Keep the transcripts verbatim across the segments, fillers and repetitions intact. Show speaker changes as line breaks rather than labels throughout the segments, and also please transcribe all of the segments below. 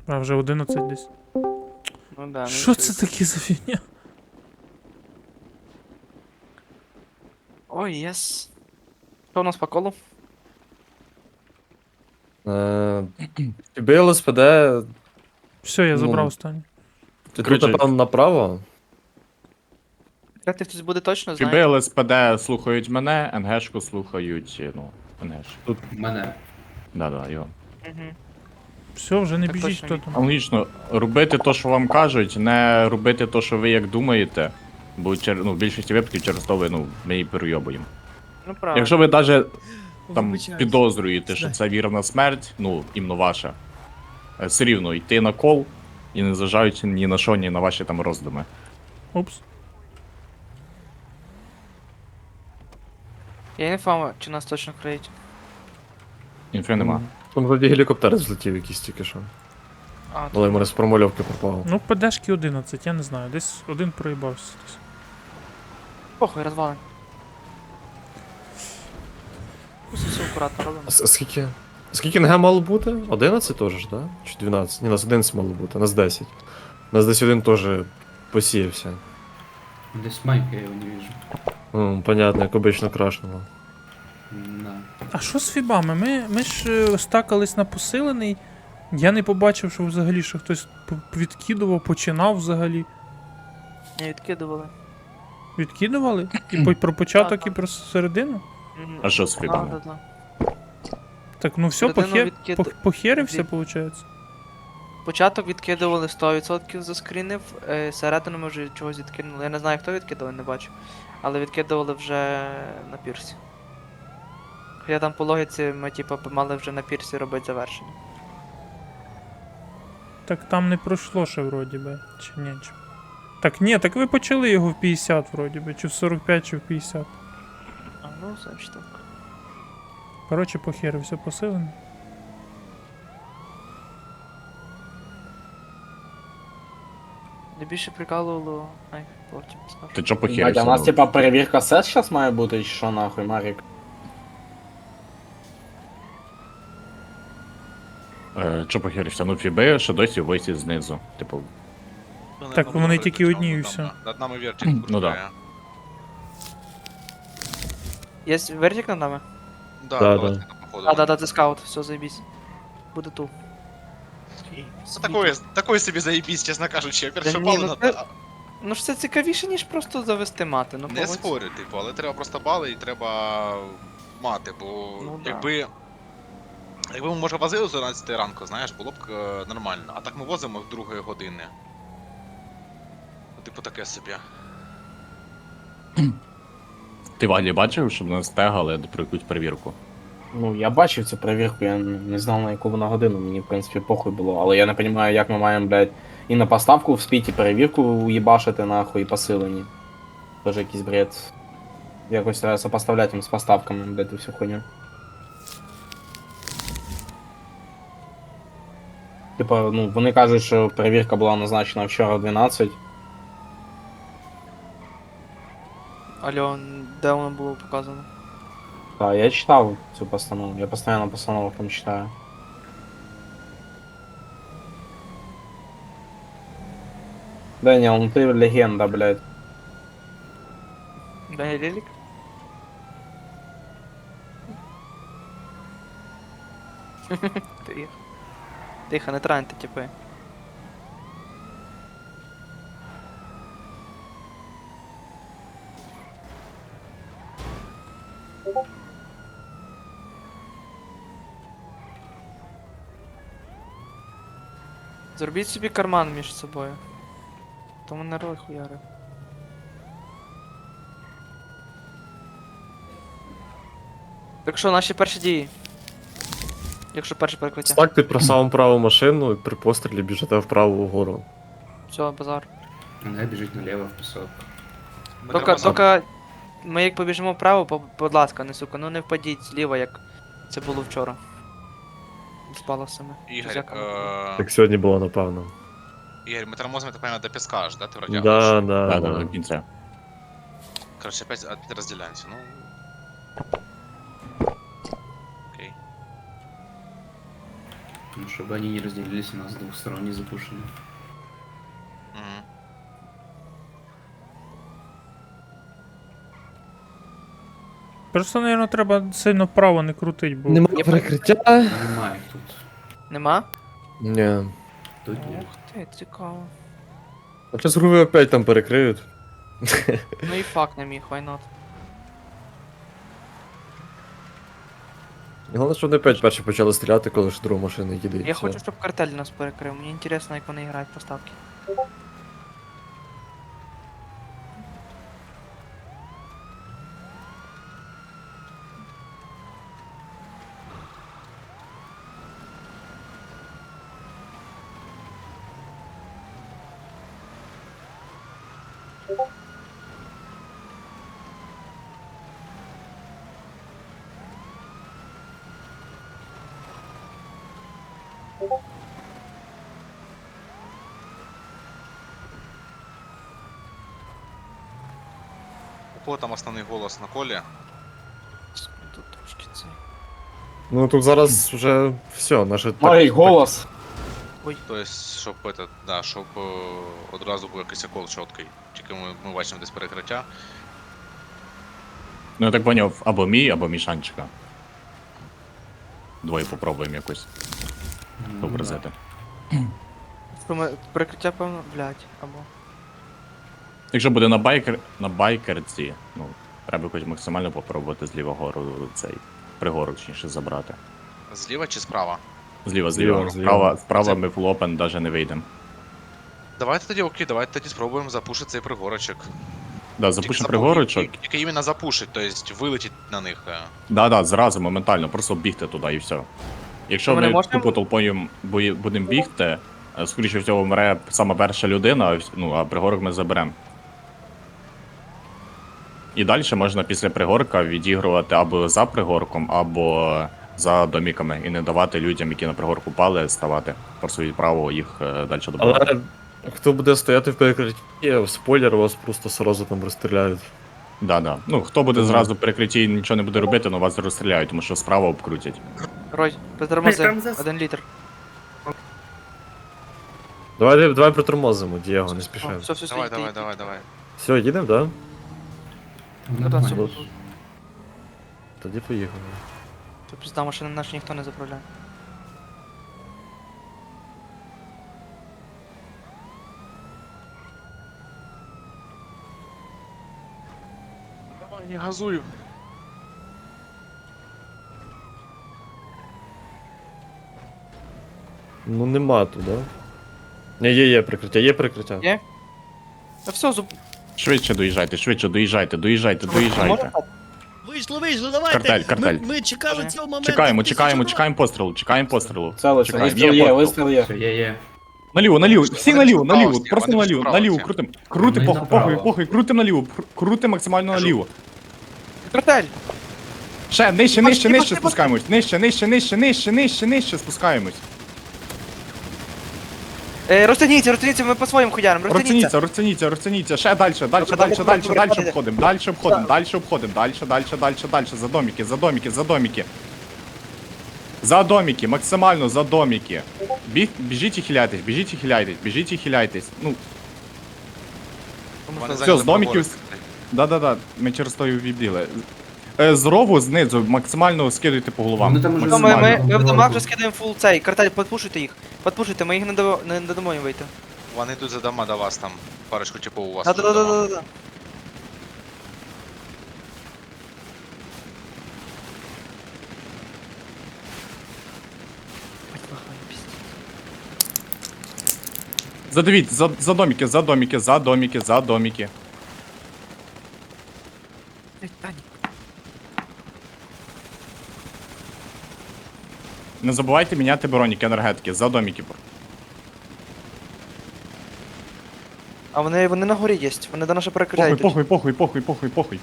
А вже одинадцять десь.
Ну да, ну
Що
і
це
все.
таке за фігня?
Ой, єс. Що у нас по колу?
Е, Тобі ЛСПД,
Все, я забрав
ну,
останній.
ти тут,
Короче,
напевно, направо.
Як ти хтось буде точно,
Фіби
знаєш?
ЛСПД слухають мене, НГшку слухають, ну, НГш.
Мене.
Да-да, його.
Угу.
Все, вже не
Так
біжіть,
точно
хто
ні.
там.
Аналогічно, робити то, що вам кажуть, не робити то, що ви як думаєте, бо чер- ну, в більшості випадків через то ви, ну, ми її перейобуємо.
Ну правильно.
Якщо ви навіть там
Вибачаюсь.
підозрюєте, що це вірна смерть, ну, іменно ваша, е, все рівно йти на кол і не зважаючи ні на що, ні на ваші там роздуми.
Упс.
Я не фама, чи нас точно криють.
Інфи нема.
Там вроді гелікоптер злетів якийсь тільки що.
А,
Але йому з промальовки пропав.
Ну, ПДшки одинадцять, я не знаю. Десь один проїбався. десь.
похуй, розвалим. Просто все акуратно робимо.
А с- а скільки? Скільки НГ мало бути? одинадцять теж ж, да? Чи дванадцять? Ні, нас одинадцять мало бути, нас десять. Нас десь один теж посіявся.
Десь Майка я його не вижу.
Ну, понятно, як обично крашнуло.
На.
А що з фібами? Ми, ми ж е, стакались на посилений. Я не побачив, що взагалі що хтось п- відкидував, починав взагалі.
Не відкидували.
Відкидували? І по- про початок, і
Ага.
про середину?
Мгм.
А що з
Да,
фібами?
да, да.
Так, ну все,
Середину
похер...
відкид-
пох- похерився,
від-
виходить.
Початок відкидували сто відсотків заскрінив, е, середину ми вже чогось відкинули. Я не знаю, хто відкидував, не бачу. Але відкидували вже на пірсі. Хоча там по логіці ми типу мали вже на пірсі робити завершення.
Так там не пройшло ще вроді би. Чи ні? Чи... Так ні, так ви почали його в п'ятдесят вроді би, чи в сорок п'ять, чи в п'ятдесят.
А ну, значить так.
Коротше, похерився посилений.
Не більше прикалувало. Ай, потім скажу.
Ти чо
Блядь, а
похерився?
у нас
ну?
типа перевірка сет сейчас має бути, чи що нахуй, Марік?
Е, Чо похерився? Ну, фіби ще досі висі знизу. Типу,
Так вони тільки одні і все.
Над нами вертик
Ну
кружляє.
Є вертик над нами?
Да,
Да,
давайте
да.
на походу.
А, да, да, це скаут, все, заебись. Буде ту.
Ну, такое, такое собі заебісь, чесно кажучи. Я
Та
перше
ні,
бали
ну
на...
це- Ну ж це цікавіше, ніж просто завести мати. Ну,
Не
погодься.
спорю, типу, але треба просто бали і треба мати, бо
Ну, да.
якби. Якби ми, може, возили з одинадцятої ранку, знаєш, було б е, нормально. А так ми возимо в другої години. Ну, типу, таке собі.
ти Валі бачив, щоб нас тегали про якусь перевірку?
Ну, я бачив цю перевірку, я не знав на яку вона годину, мені в принципі похуй було, але я не розумію, як ми маємо, блядь, і на поставку вспіть, і перевірку уїбашити нахуй, і посилені. Тоже якийсь бред. Якось треба сопоставляти їм з поставками, блядь, і всю хуйню. Типа, ну, вони кажуть, що перевірка була назначена вчора в дванадцять.
Алло, де воно було показано?
Так, я читав цю постанову, я постійно постанову там читаю. Дэниел, ну ты легенда, блядь.
Дай лілік? Тихо. Тихо, не траньте, типи. Зробіть собі карман між собою. Тому не рой хуяри. Так що, наші перші дії? Якщо перше перекриття.
Стак ти про саму праву машину і при пострілі біжите вправо вгору.
Все, базар.
Мене біжить наліво в пісок.
Ми
Тока,
треба
тока, ми як побіжимо вправо, по- будь ласка, не сука, ну не впадіть зліва, як це було вчора. З паласами.
Ігор,
Друзяками.
е...
Так сьогодні було, напевно.
Ігор, ми тормозимо, так понимаю, до піска аж, да? Ти вроді
Да,
аж.
да,
Да, да,
да.
до кінця.
Короче, опять, опять разделяемся, ну... Окей.
Ну, чтобы они не разделились, у нас с двух сторон не запушены.
Мгм.
Просто, мабуть, треба сильно вправо не крутить, бо.
Немає перекриття.
Немає їх тут.
Нема?
Ні.
Тут є.
Ух ти, цікаво.
А зараз груви опять там перекриють.
Ну і факт не міг, why not?
Головне, що вони опять перші почали стріляти, коли ж друга машина їде. і
Я
все.
хочу, щоб картель нас перекрив. Мені інтересно, як вони грають поставки.
У кого там основний голос на колі?
Тут трошки цей.
Ну тут зараз вже все, наше
Ой, голос.
Тобто, щоб это, да, щоб е, одразу був якийсь окол чіткий. Тільки ми, ми бачимо десь перекриття.
Ну я так поняв, або мій, або мішанчика. Двоє попробуємо якось
Ну,
образити.
Що ми- Перекриття, певно, блядь, або.
Якщо буде на байкер, на байкерці, ну, треба хоч максимально попробувати зліва гору цей пригору, точніше, забрати.
Зліва чи справа?
Зліва,
Зліва,
зліва.
зліва.
Справа, справа
Це-
ми в лопен навіть не вийдемо.
Давайте тоді окей, давайте тоді спробуємо запушити цей пригорочок.
Да,
Тільки
запушимо
запу-
пригорочок.
тільки- Тільки іменно запушить, тобто вилетіть на них. е.
Да, да, зразу, моментально, просто бігти туди і все. Якщо
Ми не
ми
можемо-
тупо толпою бої- будемо бігти, е, скоріше всього вмре сама перша людина, а вс- ну, а пригорок ми заберемо. І далі можна після пригорка відігрувати або за пригорком, або за доміками, і не давати людям, які на пригорку пали, ставати. Просто відправо їх е, далі добивати.
Але хто буде стояти в перекритті, спойлер, вас просто сразу там розстріляють.
Да, да. Ну, хто буде
Мгм.
зразу в перекритті і нічого не буде робити, ну вас розстріляють, тому що справа обкрутять.
Рой, без тормози. Один літр.
Давай, давай притормозимо, Дієго, не спішай.
Все, все, все.
Давай,
йди,
давай,
йди.
давай, давай.
Все, їдемо, да?
Там
Ну, да, все.
нормально.
Тоді поїхали.
Тут пізда, машини наші ніхто не заправляє.
Давай, не газую.
Ну нема тут, да? Ні, є, є прикриття, є прикриття.
Є? Та все, зуб.
Швидше доїжджайте, швидше доїжджайте, доїжджайте, доїжджайте.
Вийшло, вийшло, давайте.
Картель, картель.
Ми, ми чекали
Ага.
цього моменту.
Чекаємо,
тисячу
чекаємо,
разів.
чекаємо пострілу, чекаємо пострілу.
Целиться,
Чекаємо,
вистріл
є
є,
постріл.
вистріл є.
Все, є, є.
Наліво, наліво, всі
Вони
наліво,
вправо
наліво,
всі,
просто
вони
наліво,
вправо
наліво,
всі.
крутим. Крути,
Вони
похуй,
направо.
похуй, похуй, крутим наліво, кру- крути максимально
Кажу.
наліво.
Картель!
Ще, нижче,
Пошли,
нижче, нижче
пошли,
спускаємось, нижче, нижче, нижче, нижче, нижче, нижче спускаємось.
Е, розтягніться, розтягніться, ми по своїм хуярам, розтягніться.
Розтяніться, розтяніться, розтяніться, ще далі, далі, далі,
Добре,
далі,
добре,
далі,
добре,
далі
добре.
обходимо, далі обходимо, далі обходимо, далі, далі, далі, далі, за доміки, за доміки, за доміки. За доміки, максимально за доміки. Біг, біжіть і хиляйтесь, біжіть і хиляйтесь, біжіть і хиляйтесь. Ну,
Вони
Все,
зайняли
з домиків
пригорок.
да-да-да, ми через то і вбігли. Е, З рову, знизу, максимально скидуйте по головам.
Вони там уже
Ну, ми, ми,
Максимально.
ми в домах вже скидаємо фул цей. Картель, подпушуйте їх. Подпушуйте, ми їх не, до, не, не дамо їм вийти.
Вони йдуть за дома до вас там. Парочку типу у вас. вже дома.
Да-да-да-да-да.
Задавіть, за, за доміки, за доміки, за доміки, за доміки. Не забувайте міняти броніки енергетики, за доміки.
А вони, вони на горі є, вони до нашого перекриття
Похуй,
йдуть.
похуй, похуй, похуй, похуй, похуй.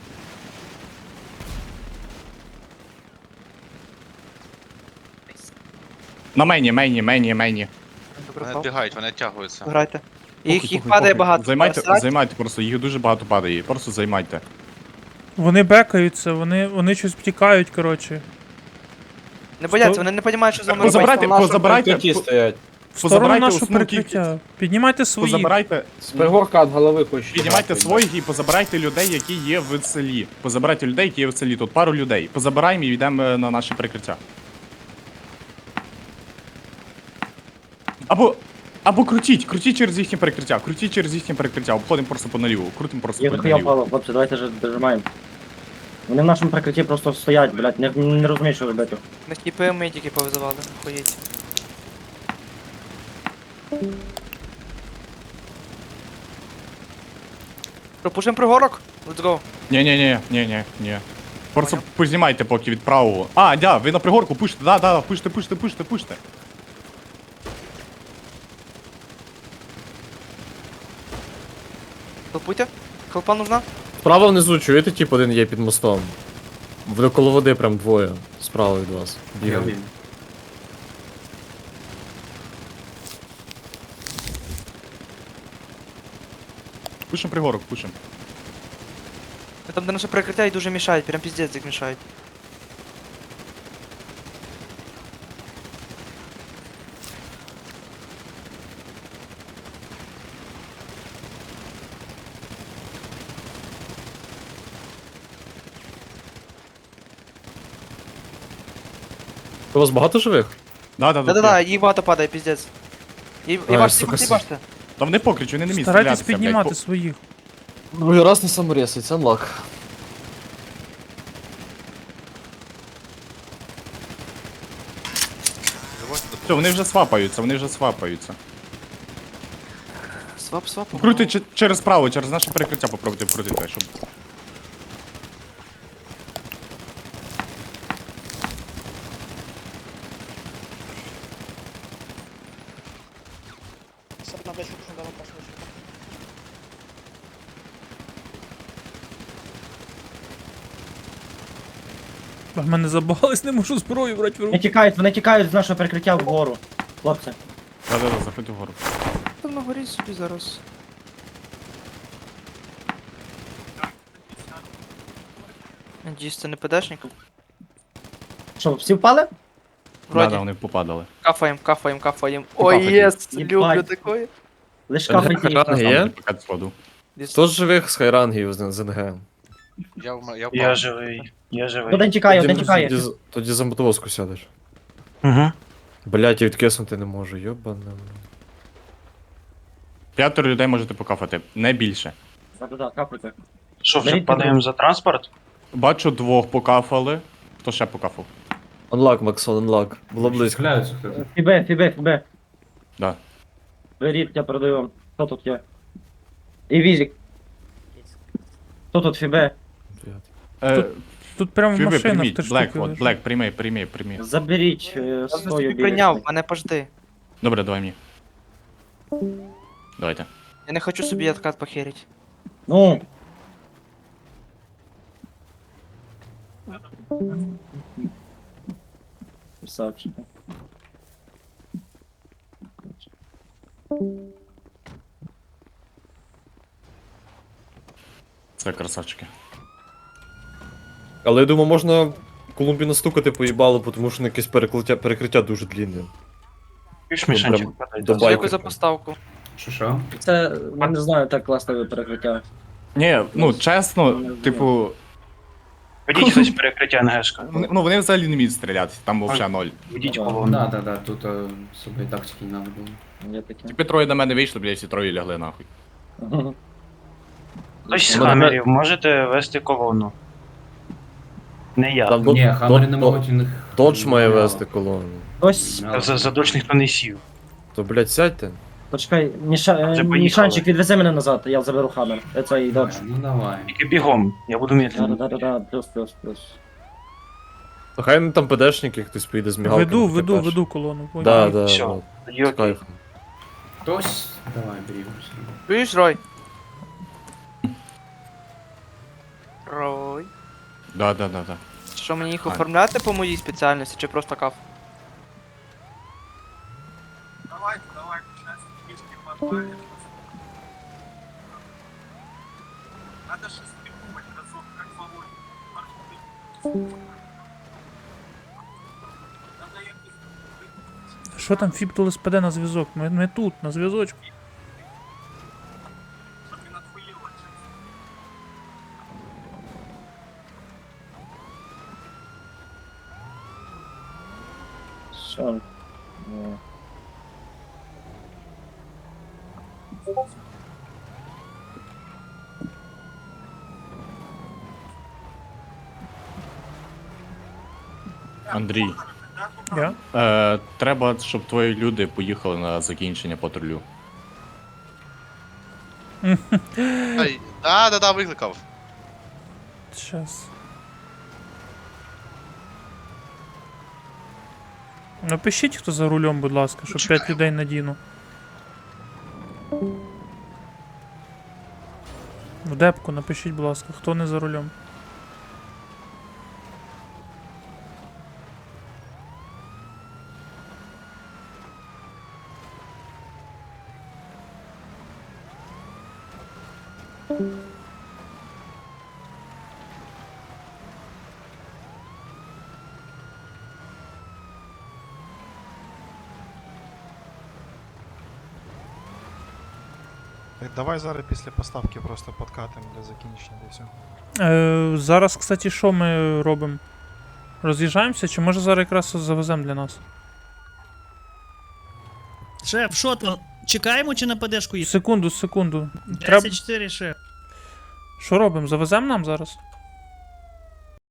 На мені, мені, мені, мені.
Добре,
Вони
впав.
відбігають, вони відтягуються.
Грайте. Їх,
Похуй,
їх
похуй,
падає
похуй.
багато.
Займайте,
Срать.
займайте просто, їх дуже багато падає, просто займайте.
Вони бекаються, вони, вони щось втікають, коротше.
Не бояться, вони не розуміють, що з вами робити.
Позабирайте,
На нашому
позабирайте,
прикритті
по-
стоять.
В сторону
позабирайте
нашого
основну
перекриття. Піднімайте свої.
Позабирайте,
З пригорка від голови хочу.
піднімайте
нахуй,
своїх і позабирайте людей, які є в селі. Позабирайте людей, які є в селі. Тут пару людей. Позабираємо і йдемо е, на наше прикриття. Або. Або крутіть, крутіть через їхнє перекриття, крутіть через їхнє перекриття, обходимо просто по наліву, крутимо просто
Є
по
дохуя
наліву.
впало, хлопці, давайте ж дожимаємо. Вони в нашому прикритті просто стоять, блядь, не, не розуміють, що робити.
На тіпи ми тільки повизивали, охуєть. Пропушимо пригорок? Let's go.
Ні, ні, ні, ні, ні, ні. Просто познімайте поки від правого. А, да, ви на пригорку пушите, да, да, пуште, пуште, пуште, пуште.
Хелпуйте. Хелпа нужна?
Справа внизу, чуєте, тип один є під мостом. В коло води прям двоє. Справа від вас.
Я
Бігають.
вбив.
Пушим пригорок, пушим.
Там, де наше прикриття, і дуже мішають, прям піздець як мішають.
У вас багато живих?
Да, да, да.
Да-да-да, їх багато падає, піздець. І
Ай,
бачите,
сука,
їбаште, їбаште.
Та вони покричу, вони не міг
Старайтесь
стрілятися,
піднімати
блядь.
своїх.
Другий раз не саморесить, анлак.
Все, вони вже свапаються, вони вже свапаються.
Свап, свап.
Крути че- через право, через наше перекриття попробуйте вкрутити, щоб.
В мене забагались, не можу зброю брати в
Вони
руки.
тікають, вони тікають з нашого перекриття вгору. Хлопці.
Да, да, да, заходь вгору.
Там на горі собі зараз. Надіюсь, це не ПДшник.
Що, всі впали?
Да,
Вроді.
да, вони попадали.
Кафаєм, кафаєм, кафаєм.
Покафайте.
Ой, єс,
Їбать.
люблю такое.
Лиш
Та
кафайте їх.
Ранги є?
Поки сходу.
Хто з живих з хайрангів з з НГ?
Я, в- я,
Я
впав.
живий, я живий.
Один тікає, один
Тоді-
тікає.
тоді- Тоді за мотовозку сядеш.
Угу.
Блять, я відкиснути не можу, йобане.
П'ятеро людей можете покафати, не більше.
Да-да-да, капайте.
Що, вже
Беріть
падаємо за транспорт?
Бачу, двох покафали. Хто ще покафав?
Анлак, Максон, анлак. Було близько.
Стріляються хтось.
Фібе, фібе, фібе.
Да.
Беріть, я передаю вам. Хто тут є? І візик. Хто тут фібе?
Е,
Тут прямо
Фіби,
машина в
прийміть,
три
Блек,
штуки
от,
лежить.
Блек, прийми, прийми, прийми.
Заберіть е,
Я
свою
собі
білизну.
прийняв, мене пожди.
Добре, давай мені. Давайте.
Я не хочу собі откат похерить.
Ну. Красавчик.
Це красавчики.
Але я думаю, можна Колумбі настукати поїбало, тому що на якесь перекриття, перекриття дуже длінне.
Піш
Ну,
мішанчик
прям
падає.
до
да.
байки.
Дякую за поставку.
Що що?
Це, я не знаю, так класне перекриття.
Ні, ну чесно,
Ну,
типу,
Ведіть хтось перекриття НГшка.
вони, ну вони взагалі не вміють стріляти, там взагалі ноль.
Ведіть
Ну,
колону.
Да, да, да, тут е, собі тактики не треба було.
Є таке.
Типи троє до мене вийшли, блядь, всі троє лягли нахуй.
Хтось з
Мене-
хамерів, можете вести колону. Не я.
Там
Ні, хамери
Дод-
не можуть у них.
Додж має
мало.
вести колону.
Ось,
Мало.
За, за дощ ніхто не сів.
То, блядь, сядьте.
почекай, Міша,
Вже
е,
поїхали.
Мішанчик, відвези мене назад, я заберу хамер. Е, Цей додж.
Ну давай.
Тільки бігом, я буду медленно.
Да-да-да, плюс, плюс, плюс.
То хай не там ПДшники, хтось поїде з мігалками.
Веду,
таке
веду,
перше.
веду колону. понял.
Да, да,
Всё.
от,
Тоді
з
окей.
кайфом.
Хтось. Давай, берігемося.
Чуєш, Рой? Рой.
Да, да, да, да.
Що мені їх
Ай.
оформляти по моїй спеціальності, чи просто каф?
Що там Фіптул СПД на зв'язок? Ми, ми тут, на зв'язочку.
Що? Ну.
Андрій,
Я?
е, треба, щоб твої люди поїхали на закінчення патрулю.
Ай, да, да, да, викликав.
Щас. Напишіть, хто за рулем, будь ласка, щоб п'ять людей надіну. В депку напишіть, будь ласка, хто не за рулем.
Давай зараз після поставки просто подкатимо для закінчення і все.
Е, зараз, кстати, що ми робимо? Роз'їжджаємося, чи може зараз якраз завеземо для нас?
Шеф, що то? Чекаємо чи на ПДшку їдемо?
Секунду, секунду. Треба...
десять чотири, шеф.
Що робимо? Завеземо нам зараз?